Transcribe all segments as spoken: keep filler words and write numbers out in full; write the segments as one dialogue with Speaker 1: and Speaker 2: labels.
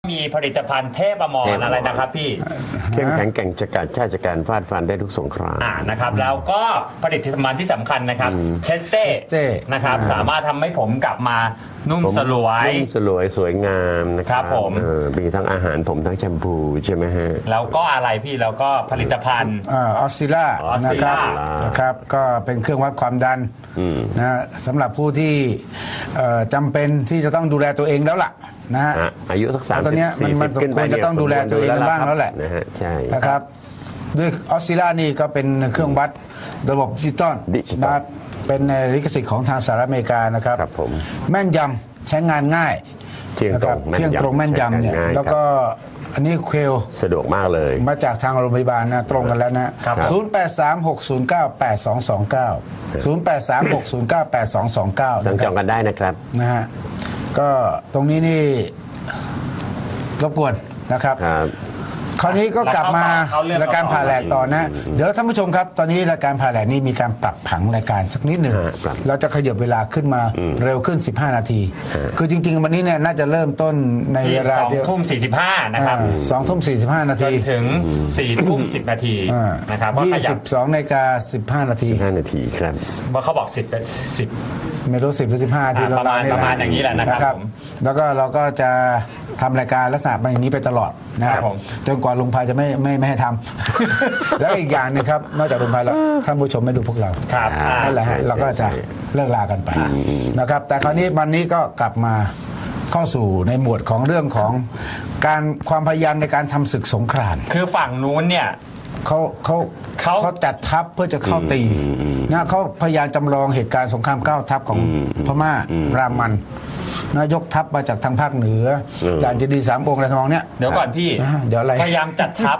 Speaker 1: มีผลิตภัณฑ์เทพอมรอะไรนะครับพี่
Speaker 2: เข้มแข็งแกร่งจักรชาติจักรฟาดฟันได้ทุกสงคราม
Speaker 1: อ่านะครับแล้วก็ผลิตภัณฑ์ที่สำคัญนะครับเชสเต้นะครับสามารถทำให้ผมกลับมานุ่มสลวย
Speaker 2: นุ่มสลวยสวยงามนะครับ
Speaker 1: ผม
Speaker 2: มีทั้งอาหารผมทั้งแชมพูใช่ไหมฮะ
Speaker 1: แล้วก็อะไรพี่แล้วก็ผลิตภัณฑ์
Speaker 3: ออสซิล่านะครับนะครับก็เป็นเครื่องวัดความดันนะสำหรับผู้ที่จำเป็นที่จะต้องดูแลตัวเองแล้วล่ะนะฮะ
Speaker 2: อายุสักสามสิบ
Speaker 3: ตอนนี้มันมันสมควรจะต้องดูแลตัวเองบ้างแล้วแหละ
Speaker 2: นะฮะใช่
Speaker 3: นะครับด้วยออสซิล่านี่ก็เป็นเครื่องวัดระบบดิจิตอลนะเป็นลิขสิทธิ์ของทางสหรัฐอเมริกานะครับแม่นยำใช้งานง่ายนะครับเที่ยงตรงแม่นยำเนี่ยแล้วก็อันนี้เควล
Speaker 2: สะดวกมากเลย
Speaker 3: มาจากทางโรงพยาบาลนะตรงกันแล้วนะศูนย์ แปด สาม หก ศูนย์ เก้า แปด สอง สอง เก้า ศูนย์ แปด สาม หก ศูนย์ เก้า แปด สอง สอง เก้า
Speaker 2: สั่งจองกันได้นะครับ
Speaker 3: นะฮะก็ตรงนี้นี่รบกวนนะครับคราวนี้ก็กลับมารายการผ่าแหลกต่อนะเดี๋ยวท่านผู้ชมครับตอนนี้รายการผ่าแหลกนี้มีการปรับผังรายการสักนิดหนึ่งเราจะขยับเวลาขึ้นมาเร็วขึ้นสิบห้านาทีคือจริงๆวันนี้เนี่ยน่าจะเริ่มต้นในเวลา
Speaker 1: เดียวสองทุ่มสี่สิบห้านะครับ
Speaker 3: สองทุ่มสี่สิบห้านาที
Speaker 1: จนถึงสี่ทุ่มสิบนาทีนะครับ
Speaker 3: ยี่สิบสองนาฬิกาสิบห้านาที
Speaker 2: ห้านาทีครับ
Speaker 1: ว่าเขาบอกสิบสิบ
Speaker 3: ไม่รู้สิบหรือสิบห้าที
Speaker 1: ประมาณประมาณอย่างนี้แหละนะครับ
Speaker 3: แล้วก็เราก็จะทำรายการลักษณะอย่างนี้ไปตลอดนะครับจนกว่าลุงพายจะไม่ไม่ไม่ให้ทำแล้วอีกอย่างนึงครับนอกจากลุงพายแล้วท่านผู้ชมไม่ดูพวกเรา
Speaker 1: ครับ
Speaker 3: นั่นแหละฮะเราก็จะเลิกลากันไปนะครับแต่คราวนี้วันนี้ก็กลับมาเข้าสู่ในหมวดของเรื่องของการความพยายามในการทำศึกสงคราม
Speaker 1: คือฝั่งนู้นเนี่ย
Speaker 3: เขาเขาเขาเขาจัดทัพเพื่อจะเข้าตีนะเขาพยายามจำลองเหตุการณ์สงครามเก้าทัพของพม่ารามันนายกทัพมาจากทางภาคเหนือด่านเจดีย์สามองค์อะไรทำนองเนี้ย
Speaker 1: เดี๋ยวก่อนพี่
Speaker 3: เดี๋ยวอะไร
Speaker 1: พยายามจัดทัพ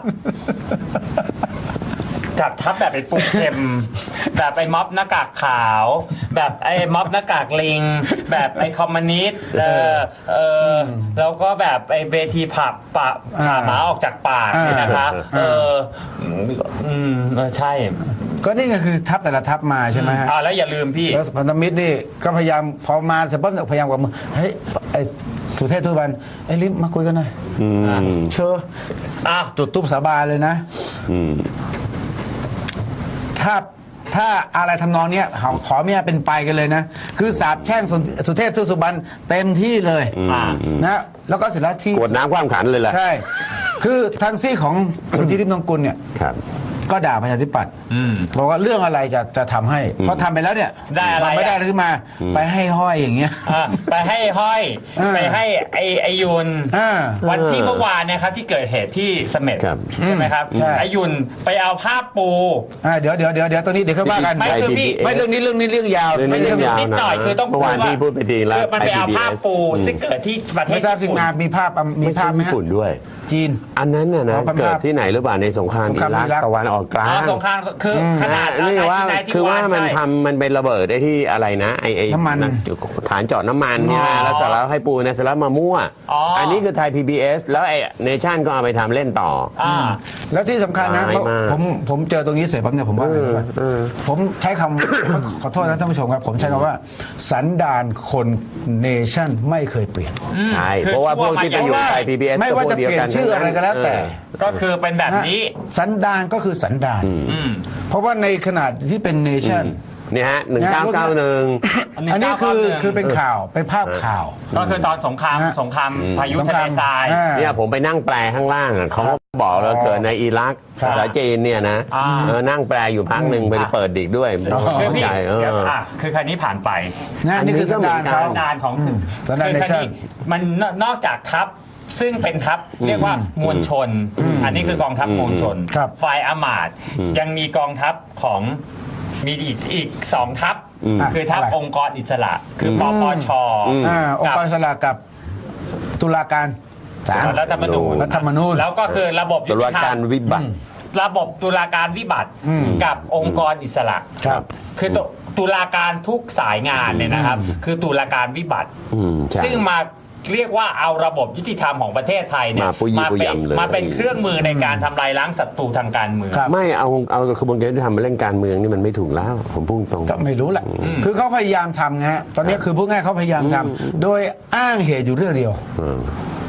Speaker 1: จัดทัพแบบไอ้ปุ๊กเข็มแบบไอ้ม็อบหน้ากากขาวแบบไอ้ม็อบหน้ากากลิงแบบไอ้คอมมิวนิสต์เออเออแล้วก็แบบไอ้เวทีผับปะผ่าหมาออกจากปากนี่นะคะเอออืมใช่
Speaker 3: ก็นี่ก็คือทัพแต่ละทัพมาใช่ไหมฮะ
Speaker 1: อ่าแล้วอย่าลืมพี่
Speaker 3: แล้วพันธมิตรนี่ก็พยายามพอมาเสร็จปุ๊บพยายามกับมือเฮ้ยไอ้สุเทพทุบันไอ้ลิมมาคุยกันหน่อยเชิญจุดตุ๊บสาบานเลยนะถ้าถ้าอะไรทำนองเนี้ยขอเมียเป็นไปกันเลยนะคือสาบแช่งสุเทพทุสุบันเต็มที่เลยนะแล้วก็เสร็จแล้วที่
Speaker 2: กวดน้ำคว่ำขันเลยแหละ
Speaker 3: ใช่คือทางซี่ของสุทธิริมทองกุลเนี่ยก็ด่าประชาธิปัตย์บอกว่าเรื่องอะไรจะจะทำให้เพราะทำไปแล้วเนี่ย
Speaker 1: ได้อะไร
Speaker 3: ไม่ได้ขึ้นมาไปให้ห้อยอย่างเงี้ย
Speaker 1: ไปให้ห้อยไปให้ไอไอยุนวันที่เมื่อวานนะครับที่เกิดเหตุที่เสม็ดใช่ไหมครับไอยุนไปเอาภาพปู
Speaker 3: เดี๋ยวเดี๋ยวเดี๋ยวเดี๋ยวตอนนี้เดี๋ยวค่อยว่ากัน
Speaker 1: ไม่คือพี่
Speaker 3: ไม่เรื่องนี้เรื่องนี้เรื่องยาว
Speaker 1: ไม่เรื่องนิดหน่อยคือต้อง
Speaker 2: เมื่อวานที่พูดไปทีแล้ว
Speaker 1: มันไปเอาภาพปูซึ่งเกิดที่ประเทศ
Speaker 3: ไม่ทราบทีมงานมีภาพมีภาพไหมฮะ
Speaker 2: ญี่ปุ่นด้วย
Speaker 3: จีน
Speaker 2: อันนั้นน่ะนะเกิดที่ไหนหรือเปล่าในสงครามอิรักตะวันออกกลาง
Speaker 1: สงครามคือขนาด
Speaker 2: นี่ว่าคือว่ามันทำมันเป็นระเบิดได้ที่อะไรนะไอไอฐานเจาะน้ำมันเนี่ยแล้วเสร็จแล้วให้ปูนะเสร็จแล้วมามั่วอันนี้คือไทย พี บี เอส แล้วไอเนชั่นก็เอาไปทำเล่นต่อ
Speaker 3: แล้วที่สำคัญนะผมผมเจอตรงนี้เสร็จปั๊บเนี่ยผมว่าผมใช้คำขอโทษนะท่านผู้ชมครับผมใช้คำว่าสันดานคนเนชั่นไม่เคยเปลี่ยน
Speaker 2: ใช่เพราะว่าพวกที่ไปอยู่ไทย พี บี เอส
Speaker 3: ไม่ว่าจะเปลี่ยนชื่ออะไรก็แล้วแต่
Speaker 1: ก็คือเป็นแบบนี้
Speaker 3: สันดานก็คือสันดานเพราะว่าในขนาดที่เป็นเนชั่น
Speaker 2: นี่ฮะหนึ่งเก้าเก้าหนึ่ง
Speaker 3: อันนี้คือคือเป็นข่าวเป็นภาพข่าว
Speaker 1: ก็คือตอนสงครามสงครามพายุทะเลทราย
Speaker 2: เนี่ยผมไปนั่งแปลข้างล่างเขาบอกเราเกิดในอิรักภาษาจีนเนี่ยนะนั่งแปลอยู่พักหนึ่งไปเปิดดิกด้วย
Speaker 1: คือพี่คือคันนี้ผ่านไป
Speaker 3: นี่คือสันดานเขา
Speaker 1: สันดานของคือคันนี้มันนอกจากทัพซึ่งเป็นทัพเรียกว่ามวลชนอันนี้คือกองทัพมวลชนฝ่ายอมาตย์ยังมีกองทัพของมีอีกอีกสองทัพคือทัพองค์กรอิสระคือปปช
Speaker 3: องค์กรอิสระกับตุลาการศาล
Speaker 1: รัฐธรรมนูญ
Speaker 3: รัฐธรรมนูญ
Speaker 1: แล้วก็คือระบบ
Speaker 2: ตุลาการวิบัติ
Speaker 1: ระบบตุลาการวิบัติกับองค์กรอิสระคือตุลาการทุกสายงานเนี่ยนะครับคือตุลาการวิบัติซึ่งมาเรียกว่าเอาระบบยุติธรรมของประเทศไทยเนี่ยมาเป็นมาเป็นเครื่องมือในการทำลายล้างศัตรูทางการเมือง
Speaker 2: ไม่เอาเอากระบวนการยุติธรรมมาเล่นการเมืองนี่มันไม่ถูกแล้วผมพูดตรง
Speaker 3: ก็ไม่รู้แหละคือเขาพยายามทำไงฮะตอนนี้คือพูดง่ายเขาพยายามทำโดยอ้างเหตุอยู่เรื่องเดียว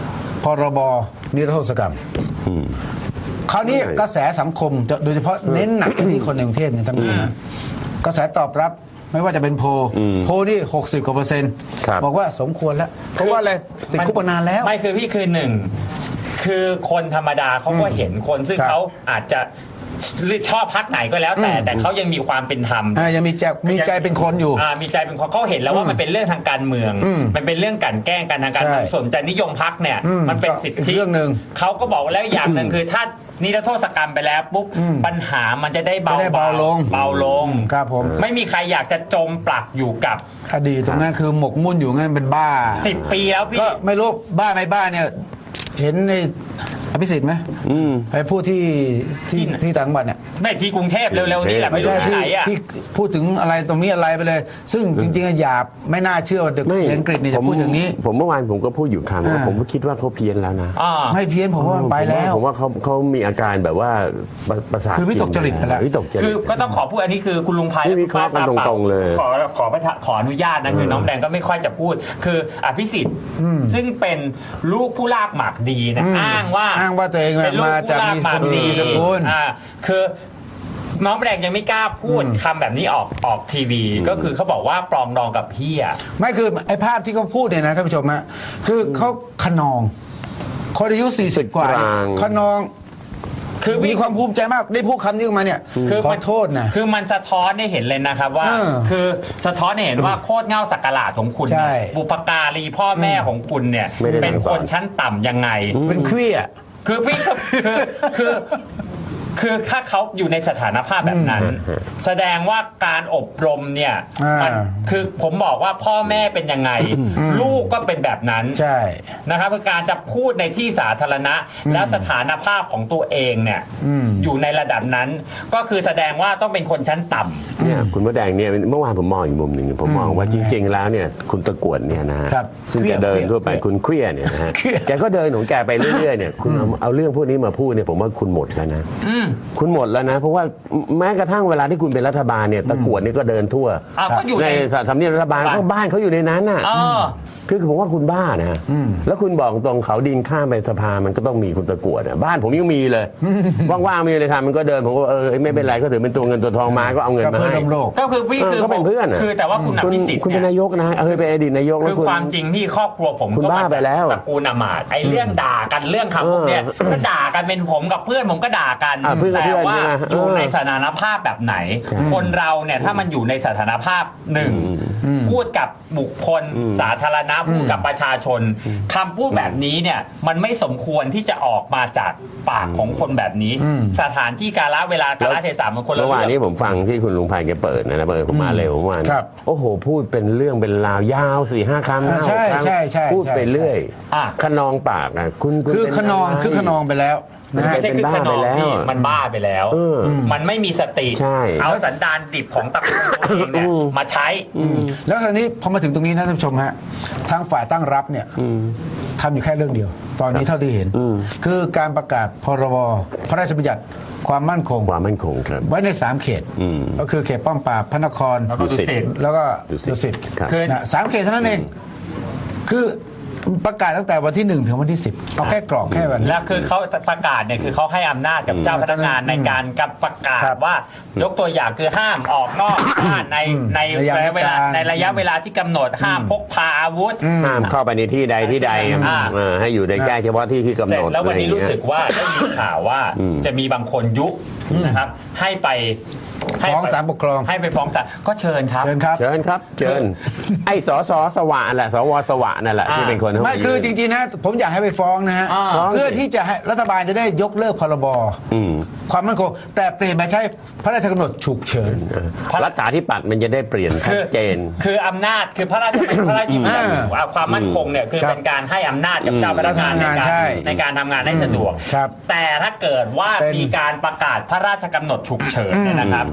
Speaker 3: พรบนิรโทษกรรมคราวนี้กระแสสังคมโดยเฉพาะเน้นหนักไปที่คนในกรุงเทพเนี่ยท่านผู้ชมนะกระแสตอบรับไม่ว่าจะเป็นโพลโพลนี่หกสิบกว่าเปอร์เซ็นต์บอกว่าสมควรแล้วเพราะว่าอะไรติดคุกมานานแล้ว
Speaker 1: ไม่คือพี่คือหนึ่งคือคนธรรมดาเขาก็เห็นคนซึ่งเขาอาจจะชอบพักไหนก็แล้วแต่แต่เขายังมีความเป็นธรรม
Speaker 3: ยังมีใจมีใจเป็นคนอยู่
Speaker 1: มีใจเป็นคนเขาเห็นแล้วว่ามันเป็นเรื่องทางการเมืองมันเป็นเรื่องการแกล้งกันทางการเมืองส่วนแต่นิยมพักเนี่ยมันเป็นสิทธิ
Speaker 3: เรื่องหนึ่ง
Speaker 1: เขาก็บอกแล้วอย่างหนึ่งคือถ้านิรโทษกรรมไปแล้วปุ๊บปัญหามันจะได้เบา
Speaker 3: เบาลง
Speaker 1: เบาลง
Speaker 3: ครับผม
Speaker 1: ไม่มีใครอยากจะจมปลักอยู่กับ
Speaker 3: อดีตตรงนั้นคือหมกมุ่นอยู่งั้นเป็นบ้า
Speaker 1: สิบปีแล้วพี่
Speaker 3: ก็ไม่รู้บ้าไม่บ้าเนี่ยเห็นในอภิสิทธิ์ไหมไปพูดที่ที่ที่ต่างจังหวัดเนี่ย
Speaker 1: ไม่ที่กรุงเทพเร็วๆนี่แหละ
Speaker 3: ไม่ใช่ที่ที่พูดถึงอะไรตรงนี้อะไรไปเลยซึ่งจริงๆหยาบไม่น่าเชื่อว่าเด็กอังกฤษเนี่ยจะพูดอย่างนี้
Speaker 2: ผมเมื่อวานผมก็พูดอยู่คำว่าผมคิดว่าเขาเพี้ยนแล้วนะ
Speaker 3: ไม่เพี้ยนผมว่าไปแล้ว
Speaker 2: ผมว่าเขาเขามีอาการแบบว่าประสาท
Speaker 3: คือวิตกจริตไปแล้ว
Speaker 2: วิตกจริต
Speaker 1: คือก็ต้องขอพูดอันนี้คือคุณลุงไพ
Speaker 2: และคุณป้าตาตรงๆเลย
Speaker 1: ขอขอขออนุญาตนะคือน้องแดงก็ไม่ค่อยจะพูดคืออภิสิทธิ์ซึ่งเป็นลูกผู้ลากหมากดีนะอ้างว่า
Speaker 3: อ้างว่าตัวเองมาจากมีคนมีสกุล
Speaker 1: คือน้องแดงยังไม่กล้าพูดคำแบบนี้ออกออกทีวีก็คือเขาบอกว่าปลองดองกับพี่อ่ะ
Speaker 3: ไม่คือไอ้ภาพที่เขาพูดเนี่ยนะท่านผู้ชมฮะคือเขาขนองคนอายุสี่สิบกว่าขนองคือมีความภูมิใจมากได้พูดคำนี้ออกมาเนี่ยขอโทษนะ
Speaker 1: คือมันสะท้อนให้เห็นเลยนะครับว่าคือสะท้อนให้เห็นว่าโคตรเง่าสักการะของคุณบุปการีพ่อแม่ของคุณเนี่ยเป็นคนชั้นต่ำยังไง
Speaker 3: เป็นเครี้ย
Speaker 1: คือพี่คือคือคือถ้าเขาอยู่ในสถานภาพแบบนั้นแสดงว่าการอบรมเนี่ยมันคือผมบอกว่าพ่อแม่เป็นยังไงลูกก็เป็นแบบนั้น
Speaker 3: ใช่
Speaker 1: นะครับคือการจะพูดในที่สาธารณะแล้วสถานภาพของตัวเองเนี่ยอยู่ในระดับนั้นก็คือแสดงว่าต้องเป็นคนชั้นต่ำ
Speaker 2: เนี่ยคุณมดแดงเนี่ยเมื่อวานผมมองอีกมุมหนึ่งผมมองว่าจริงๆแล้วเนี่ยคุณตะกวดเนี่ยนะซึ่งแกเดินทั่วไปคุณเครียดเนี่ยนะฮะแกก็เดินของแกไปเรื่อยๆเนี่ยคุณเอาเรื่องพวกนี้มาพูดเนี่ยผมว่าคุณหมดแล้วนะคุณหมดแล้วนะเพราะว่าแม้กระทั่งเวลาที่คุณเป็นรัฐบาลเนี่ยตะกวดนี่ก็เดินทั่วในสำเนียงรัฐบาลก็บ้านเขาอยู่ในนั้นน่ะคือผมว่าคุณบ้านะแล้วคุณบอกตรงเขาดินข้ามไปสภามันก็ต้องมีคุณตะกวดบ้านผมยังมีเลยว่างๆมีเลยค่ะมันก็เดินผมก็เออไม่เป็นไรก็ถือเป็นตัวเงินตัวทองมาก็เอาเงินมาให้
Speaker 1: ก็คือพี่คือ
Speaker 2: ก็เป็นเพื่อน
Speaker 1: คือแต่ว่าคุณอภิสิทธิ์
Speaker 2: คุณเป็นนายกนะเออเป็นอดีตนายก
Speaker 1: คือความจริงที่ครอบครัวผม
Speaker 2: ก็บ้าไปแล้ว
Speaker 1: ตระกูลอมาตย์ไอ้เรื่องด่ากันเรื่องคำพวกเนี้ยก็ด่ากันเป็นผมกับเพื่อนผมก็ด่ากันแต่ว่าอยู่ในสถานภาพแบบไหนคนเราเนี่ยถ้ามันอยู่ในสถานภาพหนึ่งพูดกับบุคคลสาธารณะพูดกับประชาชนคำพูดแบบนี้เนี่ยมันไม่สมควรที่จะออกมาจากปากของคนแบบนี้สถานที่กาลเวลากาลเทศะมันคนละเรื่อง
Speaker 2: เมื่อวานนี้ผมฟังที่คุณลุงไพแกเปิดนะเปิดผมมาเร็วเมื่อวานโอ้โหพูดเป็นเรื่องเป็นราวยาวสี่ห้าคำ
Speaker 3: ใช่ใช่ใช่
Speaker 2: พูดไปเรื่อยขนองปากอ่ะคุณ
Speaker 3: คือขนองคือขนองไปแล้ว
Speaker 1: ไม่ใช่คือขนองที่มันบ้าไปแล้วมันไม่มีสติเอาสันดานดิบของตระกูลตัวเองเนี่ยมาใช้
Speaker 3: แล้วคราวนี้พอมาถึงตรงนี้นะท่านผู้ชมฮะทางฝ่ายตั้งรับเนี่ยทำอยู่แค่เรื่องเดียวตอนนี้เท่าที่เห็นคือการประกาศพรบพระราชบัญญัติความมั่นคง
Speaker 2: ความมั่นคงครับ
Speaker 3: ไว้ในสามเขตก็คือเขตป้อมปราบพระนคร
Speaker 1: ดุสิต
Speaker 3: แล้วก็ดุสิตสามเขตเท่านั้นเองคือประกาศตั้งแต่วันที่หนึ่งถึงวันที่สิบเอาแค่กรอบแค่วัน
Speaker 1: แล้วคือเขาประกาศเนี่ยคือเขาให้อำนาจกับเจ้าพนักงานในการกับประกาศว่ายกตัวอย่างคือห้ามออกนอกบ้านในในระยะเวลาในระยะเวลาที่กำหนดห้ามพกพาอาวุธ
Speaker 2: ห้ามเข้าไปในที่ใดที่ใดให้อยู่ในแค่เฉพาะที่ที่กำหนด
Speaker 1: แล้ววันนี้รู้สึกว่าได้มีข่าวว่าจะมีบางคนยุนะครับให้ไป
Speaker 3: ฟ้องศาลปกครอง
Speaker 1: ให้ไปฟ้องศาลก็เชิญครับ
Speaker 3: เชิญครับ
Speaker 2: เชิญครับเชิญไอ้สสสวะแหละสวสวะนั่นแหละที่เป็นคน
Speaker 3: ไม่คือจริงๆนะผมอยากให้ไปฟ้องนะฮะเพื่อที่จะให้รัฐบาลจะได้ยกเลิกพรบความมั่นคงแต่เปลี่ยนมาใช้พระราชกำหนดฉุกเฉิน
Speaker 2: รัฐาธิปัตย์มันจะได้เปลี่ยนชัดเจน
Speaker 1: คืออำนาจคือพระราชพระราชบัญญัติความมั่นคงเนี่ยคือเป็นการให้อำนาจกับเจ้าพนักงานในการในการทำงานให้สะดวกแต่ถ้าเกิดว่ามีการประกาศพระราชกำหนดฉุกเฉินเนี่ยนะครับ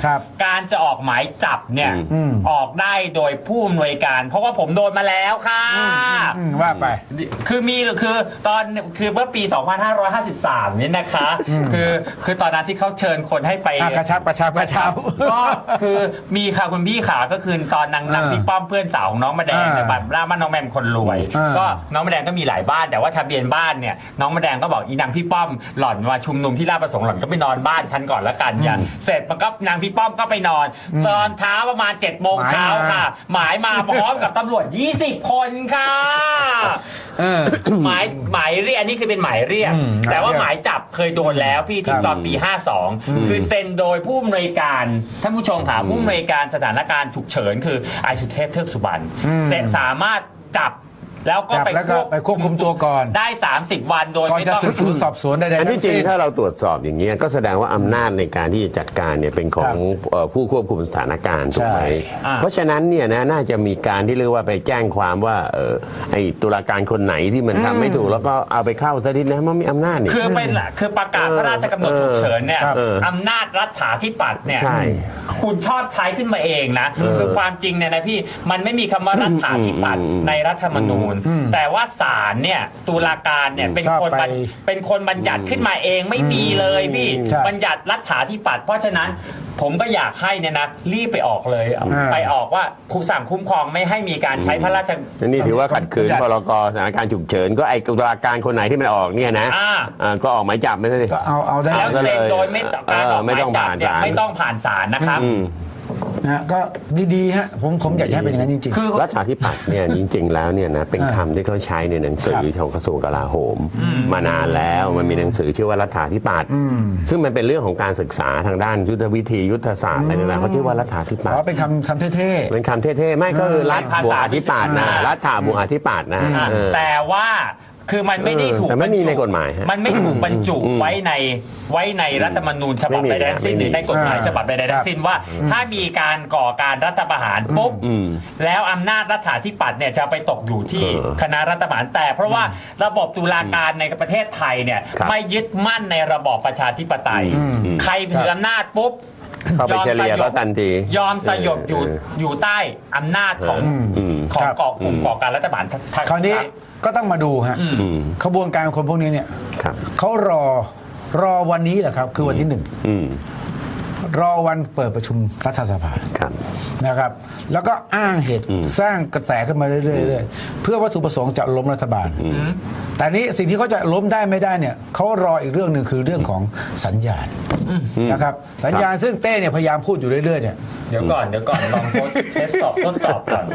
Speaker 3: ครับ
Speaker 1: การจะออกหมายจับเนี่ย
Speaker 3: อืม
Speaker 1: ออกได้โดยผู้อำนวยการ เพราะว่าผมโดนมาแล้วค่ะ
Speaker 3: อืมว่าไป
Speaker 1: คือมีคือตอนคือเมื่อปี สองพันห้าร้อยห้าสิบสาม นี่นะคะ คือคือตอนนั้นที่เขาเชิญคนให้ไป
Speaker 3: อ่ะกระชับกระชับกระชับ
Speaker 1: ก็คือมีค่ะคุณพี่ขาก็คือตอนนางนาง
Speaker 3: อ่า
Speaker 1: พี่ป้อมเพื่อนสาวของน้องมะแดงเนี่ย
Speaker 3: อ่า
Speaker 1: บ้านบ้านน้องแมมคนรวย
Speaker 3: อ่า
Speaker 1: ก็น้องมะแดงก็มีหลายบ้านแต่ว่าทะเบียนบ้านเนี่ยน้องมะแดงก็บอกอีนางพี่ป้อมหล่อนมาชุมนุมที่ราชประสงค์หล่อนก็ไปนอนบ้านฉันก่อนละกันอย่างเสร็จมันก็นางพี่ป้อมก็ไปนอน ตอนเช้าประมาณ7จ็ดโมงเช้าค่ะ หมายมาพร้อมกับตำรวจยี่สิบคนค่ะ
Speaker 3: เออ
Speaker 1: หมายหมายเรียกอันนี้คือเป็นหมายเรียก
Speaker 3: อืม
Speaker 1: แต่ว่า
Speaker 3: หมายเรียก
Speaker 1: หมายจับเคยโดนแล้วพี่ที่
Speaker 3: ครับ
Speaker 1: ตอนปี ห้าสอง คือเซ็นโดยผู้อำนวยการท่านผู้ชมค่ะผู้อำนวยการสถานการณ์ฉุกเฉินคือไอสุเทพเทือกสุบรรณ
Speaker 3: อืม
Speaker 1: เซ็นสามารถจับแล้วก็
Speaker 3: จับ
Speaker 1: ไป
Speaker 3: แล้วก็ไปควบคุมตัวก่อน
Speaker 1: ได้ สามสิบ วันโดย
Speaker 3: ก่อน
Speaker 1: ไม่
Speaker 3: จะ
Speaker 1: ต้อง
Speaker 3: สืบสวนสอบสวนใดๆ
Speaker 2: อัน
Speaker 3: ทั้
Speaker 2: ที่
Speaker 3: ง
Speaker 2: จริง
Speaker 3: สิ้น
Speaker 2: ถ้าเราตรวจสอบอย่างนี้ยก็แสดงว่าอำนาจในการที่จะจัดการเนี่ยเป็นของเอ่อผู้ควบคุมสถานการณ์ถูกไหม
Speaker 3: ใช่
Speaker 1: อ่า
Speaker 2: เพราะฉะนั้นเนี่ยนะน่าจะมีการที่เรียกว่าไปแจ้งความว่าเออไอ้ตุลาการคนไหนที่มันทำไม่ถูกแล้วก็เอาไปเข้าซะทีนะมันมีอำนาจนี่
Speaker 1: คือเป็นคือประกาศพระราชกำหนดฉุกเฉินเนี่ย
Speaker 3: ครับ
Speaker 1: อำนาจรัฐาธิปัตย์เนี่ย
Speaker 2: ใช่
Speaker 1: คุณชอบใช้ขึ้นมาเองนะ คือความจริงเนี่ยนะพี่มันไม่มีคำว่ารัฐาธิปัตย์
Speaker 2: อืม
Speaker 1: ในรัฐธรรมนูญ แต่ว่าศาลเนี่ยตุลาการเนี่ยเป็น
Speaker 3: ชอบ
Speaker 1: คนบัญ
Speaker 3: ไป
Speaker 1: เป็นคนบัญญัติขึ้นมาเองไม่มีเลยพี่
Speaker 3: ใช่
Speaker 1: บัญญัติรัฐาธิปัตย์เพราะฉะนั้นผมก็อยากให้เนี่ยนะรีบไปออกเลย ไปออกว่าครูสั่งคุ้มครองไม่ให้มีการใช้พระราช
Speaker 2: นี่ถือว่าขัดขืนพรกสถานการณ์ฉุกเฉินก็ไอ้ตุลาการคนไหนที่มันออกเนี่ยนะ
Speaker 1: อ่า
Speaker 2: อ่าก็ออกหมายจับไม่ใช่
Speaker 3: ก็เอาเอาได้
Speaker 1: แล้ว
Speaker 2: ก็
Speaker 1: เซ็
Speaker 2: เลย
Speaker 1: นโดยไม่ต้องการออกห
Speaker 2: เออไม่
Speaker 1: มาย
Speaker 2: ต้อง
Speaker 1: จับ
Speaker 2: ผ่าน
Speaker 1: เนี่ย
Speaker 2: ศาล
Speaker 1: ไม่ต้องผ่านศาลนะครับ
Speaker 2: อืม
Speaker 3: นะฮะก็ดีๆฮะผมผมอยากจะให้เป็นอย่างนั้นจริง
Speaker 1: คือ
Speaker 2: รัฐาธิปัตย์เนี่ยจริงๆแล้วเนี่ยนะเป็นคำที่เขาใช้ในหนังสือของกระทรวงกลาโหม มานานแล้วมันมีหนังสือชื่อว่ารัฐาธิปัตย์
Speaker 3: อืม
Speaker 2: ซึ่งมันเป็นเรื่องของการศึกษาทางด้านยุทธวิธียุทธศาสตร์อะไรต่างๆเขาชื่อว่ารัฐาธิ
Speaker 3: ๆ
Speaker 2: ปั
Speaker 3: เพ
Speaker 2: ตย์
Speaker 3: ราะเป็นคำคำเท่
Speaker 2: เป็นคำเท่ๆไม่ก็คือรัฐบวกอธิปัตย์นะ
Speaker 1: อ่า
Speaker 2: รัฐาบวกอธิปัตย์นะ
Speaker 1: อ่ะ
Speaker 2: เออ
Speaker 1: แต่ว่าคือมันไม่ได้ถูก
Speaker 2: แต่ไม่มี
Speaker 1: บรรจุ
Speaker 2: ในกฎหมายฮะ
Speaker 1: มันไม่ถูกบรรจุ
Speaker 2: อืม
Speaker 1: ไว้ในไว้ในรัฐธรรมนูญฉบับ
Speaker 2: ไม่มี
Speaker 1: ใดๆทั้งสิ้น
Speaker 2: ไม่มี
Speaker 1: หรือในกฎหมาย
Speaker 3: อ่า
Speaker 1: ฉบับใดๆทั้งสิ้นว่า ถ้ามีการก่อการรัฐประหารปุ๊บ
Speaker 2: อืม
Speaker 1: แล้วอำนาจรัฐาธิปัตย์เนี่ยจะไปตกอยู่ที่
Speaker 2: เออ
Speaker 1: คณะรัฐประหารแต่เพราะว่าระบบตุลาการในประเทศไทยเนี่ย
Speaker 2: ครับ
Speaker 1: ไม่ยึดมั่นในระบอบประชาธิปไตย
Speaker 2: อืม
Speaker 1: ใครถืออำนาจปุ๊บ
Speaker 2: เข้าไปเฉลี่ยก็ทันที
Speaker 1: ยอมสยบอยู่
Speaker 2: เออ
Speaker 1: อยู่ใต้อำนาจของ
Speaker 2: อืม
Speaker 1: ของ
Speaker 3: ครับ
Speaker 1: ก่อกลุ่มก่อการรัฐประหารทั้ง
Speaker 3: ๆ คราวนี้ก็ต้องมาดูฮะ
Speaker 1: อืม
Speaker 2: อืม
Speaker 3: ขบวนการคนพวกนี้เนี่ย
Speaker 2: ครับ
Speaker 3: เขารอรอวันนี้แหละครับ คือวันที่หนึ่ง
Speaker 2: อืม
Speaker 3: รอวันเปิดประชุมรัฐสภา
Speaker 2: ครับ
Speaker 3: นะครับ แล้วก็อ้างเหตุ
Speaker 2: อืม
Speaker 3: สร้างกระแสขึ้นมาเรื่อยๆเรื่อยๆเพื่อวัตถุประสงค์จะล้มรัฐบาล แต่นี้สิ่งที่เขาจะล้มได้ไม่ได้เนี่ยเขารออีกเรื่องหนึ่งคือเรื่องของสัญญาณนะครับ สัญญาณซึ่งเต้เนี่ยพยายามพูดอยู่เรื่อยๆเนี่ย
Speaker 1: เดี๋ยวก่อนเดี๋ยวก่อนลองทดเทสสอบทดสอบก่อน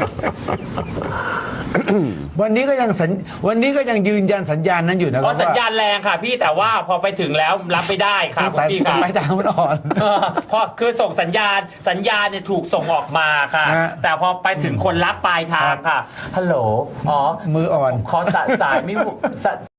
Speaker 3: วันนี้ก็ยังสัญวันนี้ก็ยังยืนยันสัญญาณนั้นอยู่นะค
Speaker 1: เพ
Speaker 3: รับ
Speaker 1: ราะสัญญาณแรงค่ะพี่แต่ว่าพอไปถึงแล้วรับไม่ได้ค่ะ
Speaker 3: ว่า
Speaker 1: คุณพี่
Speaker 3: สา
Speaker 1: ค่ะ
Speaker 3: ยไม้ตามมันอ่อน
Speaker 1: เออเพราะคือส่งสัญญาณสัญญาณเนี่ยถูกส่งออกมาค่ะ
Speaker 3: ฮะ
Speaker 1: แต่พอไปถึงคนรับปลายทางค่ะฮัลโหลอ๋อ
Speaker 3: มืออ่อน
Speaker 1: ขอสายสายไม่สาย